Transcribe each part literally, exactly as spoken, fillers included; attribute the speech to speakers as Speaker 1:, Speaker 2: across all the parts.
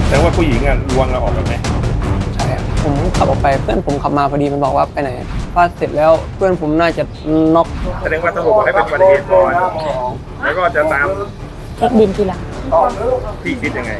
Speaker 1: แต่ว่าผู้หญิงอ่ะลวงเราออกไปไหม
Speaker 2: ใช่ครับผมขับออกไปเพื่อนผมขับมาพอดีมันบอกว่าไปไหนฟาดเสร็จแล้วเพื่อนผมน่าจะน็อก
Speaker 1: แสดงว่าตำรวจบอกให้เป็นอุบัติเหตุก่อนแล้วก็จะตาม
Speaker 3: เช็คบินทีหลัง
Speaker 1: พี่คิดยังไง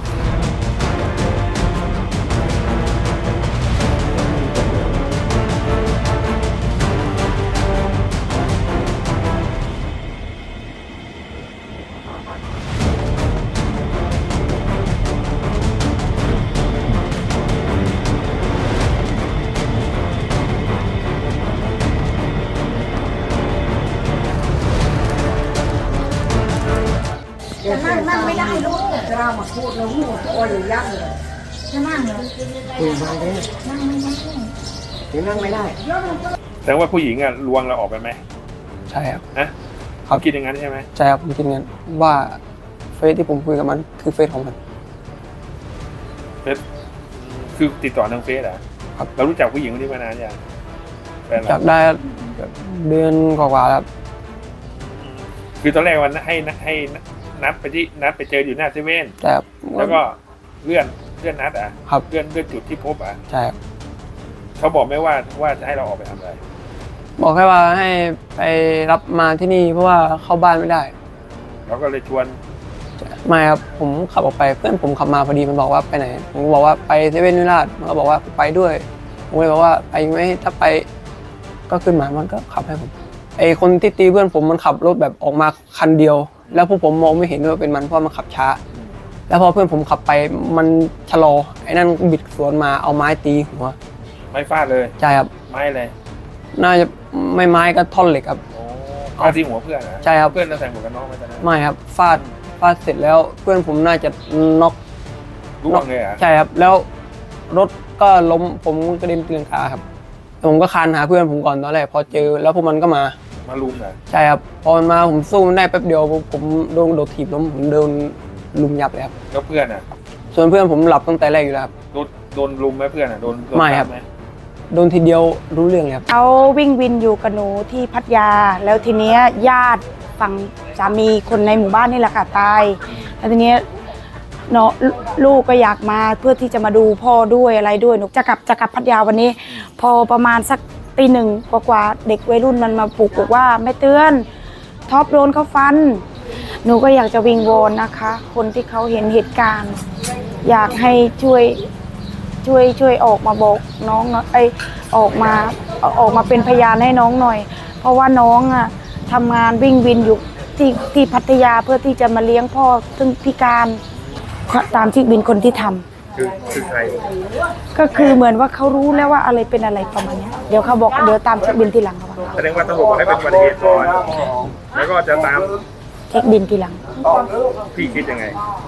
Speaker 4: จะนั่งนั่งไม่ได้ลูกจะเรามาพูดเราหัวโอ้ยยักษ์เลยจะนั่งเหรอคุยมาได้นั่งไม่ได้ถึงนั่งไม่ได้
Speaker 1: แต่ว่าผู้หญิงอ่ะลวงเราออกไปไหม
Speaker 2: ใช่ครับ
Speaker 1: นะเขาคิดอย่างนั้นใช่ไหม
Speaker 2: ใช่ครับผมคิดงั้นว่าเฟซที่ผมคุยกับมันคือเฟซของมัน
Speaker 1: เฟซคือติดต่อทางเฟซเหรอครับเรารู้จักผู้หญิงคนนี้มานานยัง
Speaker 2: จากได้เดือนกว่าๆแล้ว
Speaker 1: คือตอนแรกวันให้ให้นัดไปที่นัดไปเจออยู่หน้าเซเว่นแล้วก็เลื่อนเลื่อนนัดอ่ะเลื่อนเลื่อนจุดที่พบอ่ะ
Speaker 2: ใช่ครับ
Speaker 1: เขาบอกไม่ว่าว่าจะให้เราออกไปทำอะไร
Speaker 2: บอกแค่ว่าให้ไปรับมาที่นี่เพราะว่าเข้าบ้านไม่ได้
Speaker 1: เราก็เลยชวน
Speaker 2: ไม่ครับผมขับออกไปเพื่อนผมขับมาพอดีมันบอกว่าไปไหนผมบอกว่าไปเซเว่นวิลล่ามันก็บอกว่าไปด้วยผมเลยบอกว่าไปไหมถ้าไปก็ขึ้นมามันก็ขับให้ผมไอคนที่ตีเพื่อนผมมันขับรถแบบออกมาคันเดียวแล้วพวกผมมองไม่เห็นว่าเป็นมันเพราะมันขับช้าแล้วพอเพื่อนผมขับไปมันชะลอไอ้นั่นบิดสวนมาเอาไม้ตีหัว
Speaker 1: ไม้ฟาดเลย
Speaker 2: ใช่ครับ
Speaker 1: ไม้เลย
Speaker 2: น่าจะไม่ไม้ก็ท่อนเหล็กครับ
Speaker 1: เอาที่หัวเพื่อนนะ
Speaker 2: ใช่ครับ
Speaker 1: เพื่อนเราใส่หมวกกันน็อกไหมตอนนั้น
Speaker 2: ไม่ครับฟาดฟาดเสร็จแล้วเพื่อนผมน่าจะน็อก
Speaker 1: ร่วงเลยอ่ะ
Speaker 2: ใช่ครับแล้วรถก็ล้มผมกระเด็นตีลังกาครับผมก็คานหาเพื่อนผมก่อนตอนแรกพอเจอแล้วพวกมันก็มา
Speaker 1: มาลุมเหรอ
Speaker 2: ใช่ครับพอมันมาผมสู้มันได้แป๊บเดียวผมโดนโดดถีบล้มผมโดนลุมยับเลยครับ
Speaker 1: แล้วเพื่อนอ่ะ
Speaker 2: ส่วนเพื่อนผมหลับตั้งแต่แรกอยู่แล้วครับ
Speaker 1: โดนโดนลุมไหมเพื่อนอ่ะโดน
Speaker 2: ไม่ครับโดนทีเดียวรู้เรื่องเลยครับ
Speaker 3: เขาวิ่งวินอยู่กับหนูที่พัทยาแล้วทีเนี้ยญาติฝั่งสามีคนในหมู่บ้านนี่แหละค่ะตายแล้วทีเนี้ยเนาะลูกก็อยากมาเพื่อที่จะมาดูพ่อด้วยอะไรด้วยหนูจะกลับจะกลับพัทยาวันนี้พอประมาณสักตีหนึ่งกว่าๆเด็กวัยรุ่นมันมาปลุกบอกว่าแม่เตือนท็อปโดนเขาฟันหนูก็อยากจะวิงวอนนะคะคนที่เขาเห็นเหตุการณ์อยากให้ช่วยช่วยช่วยออกมาบอกน้องไอออกมาออกมาเป็นพยานให้น้องหน่อยเพราะว่าน้องอ่ะทำงานวิ่งวินอยู่ที่ที่พัทยาเพื่อที่จะมาเลี้ยงพ่อซึ่งพิการตามที่บินคนที่ทำ
Speaker 1: คือคือใคร
Speaker 3: ก็คือเหมือนว่าเขารู้แล้วว่าอะไรเป็นอะไรประมาณนี้เดี๋ยวเขาบอกเดี๋ยวตามเช็คบินทีหลังเขาบอก
Speaker 1: แสดงว่าตำรวจบอกให้เป็นอุบัติเหตุก่อนแล้วก็จะตาม
Speaker 3: เช็คบินทีหลัง
Speaker 1: พี่คิดยังไง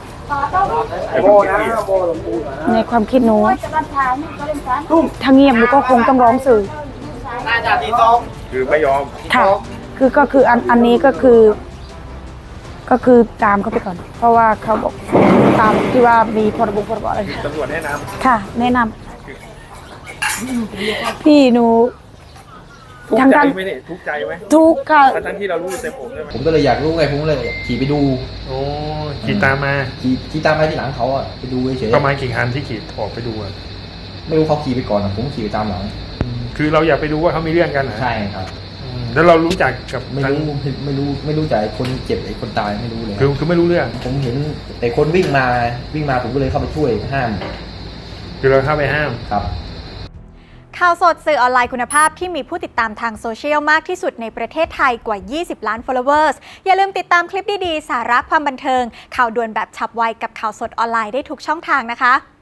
Speaker 3: ในความคิดหนูถ้าเงียบหนูก็คงต้องร้องสื่อ
Speaker 1: คือไม่ยอม
Speaker 3: ค่ะคือก็คืออันอันนี้ก็คือก็คือตามเขาไปก่อนเพราะว่าเขาบอกตามที่ว่ามีพรบพรบอะไร
Speaker 1: ตำรวจแนะนำ
Speaker 3: ค่ะแนะนำพี่หนู
Speaker 1: ทุกใจไหมเนี่ยทุกใจไหม
Speaker 3: ทุกค่ะ
Speaker 1: ทั้งที่เรารู้เต็มผมใช่ไหม
Speaker 5: ผมก็เลยอยากรู้ไงผมเลยขี่ไปดู
Speaker 1: โอ้ขี่ตามมา
Speaker 5: ขี่ขี่ตามมาที่หลังเขาอ่ะไปดูเฉย
Speaker 1: ประมาณกี่คันที่ขี่ออกไปดูอ่ะ
Speaker 5: ไม่รู้เขาขี่ไปก่อนผมขี่ไปตามหลัง
Speaker 1: คือเราอยากไปดูว่าเขามีเรื่องกัน
Speaker 5: ใช่ครับ
Speaker 1: แล้วเรารู้จักกับ
Speaker 5: ไม่รู้ไม่รู้ไม่รู้จักคนเจ็บไอ้คนตายไม่รู้เลย
Speaker 1: คือคือไม่รู้เรื่อง
Speaker 5: ผมเห็นแต่คนวิ่งมาวิ่งมาผมก็เลยเข้าไปช่วยห้าม
Speaker 1: คือเราเข้าไปห้าม
Speaker 5: ครับ
Speaker 6: ข่าวสดสื่อออนไลน์คุณภาพที่มีผู้ติดตามทางโซเชียลมากที่สุดในประเทศไทยกว่ายี่สิบล้าน followers อย่าลืมติดตามคลิปดีๆสาระความบันเทิงข่าวด่วนแบบฉับไวกับข่าวสดออนไลน์ได้ทุกช่องทางนะคะ